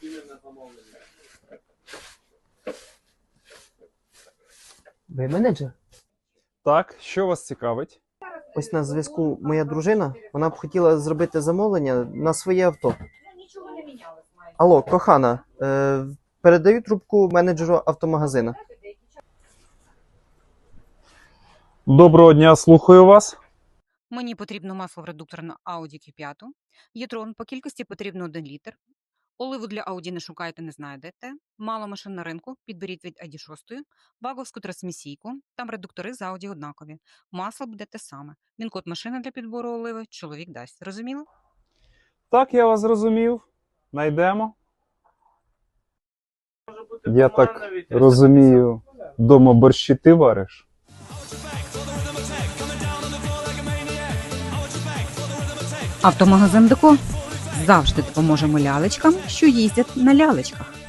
Ви менеджер? Так, що вас цікавить? Ось на зв'язку моя дружина. Вона б хотіла зробити замовлення на своє авто. Алло, кохана, передаю трубку менеджеру автомагазина. Доброго дня, слухаю вас. Мені потрібно масло в редуктор на Audi Q5. Єтрон по кількості потрібно 1 літр. Оливу для Audi не шукайте, не знайдете. Мало машин на ринку, підберіть від ID6. Баговську трансмісійку. Там редуктори з Audi однакові. Масло буде те саме. Він-код машини для підбору оливи чоловік дасть. Розуміло? Так, я вас зрозумів. Найдемо. Я так розумію, дома борщі ти вариш? Автомагазин Деко. Завжди допоможемо лялечкам, що їздять на лялечках.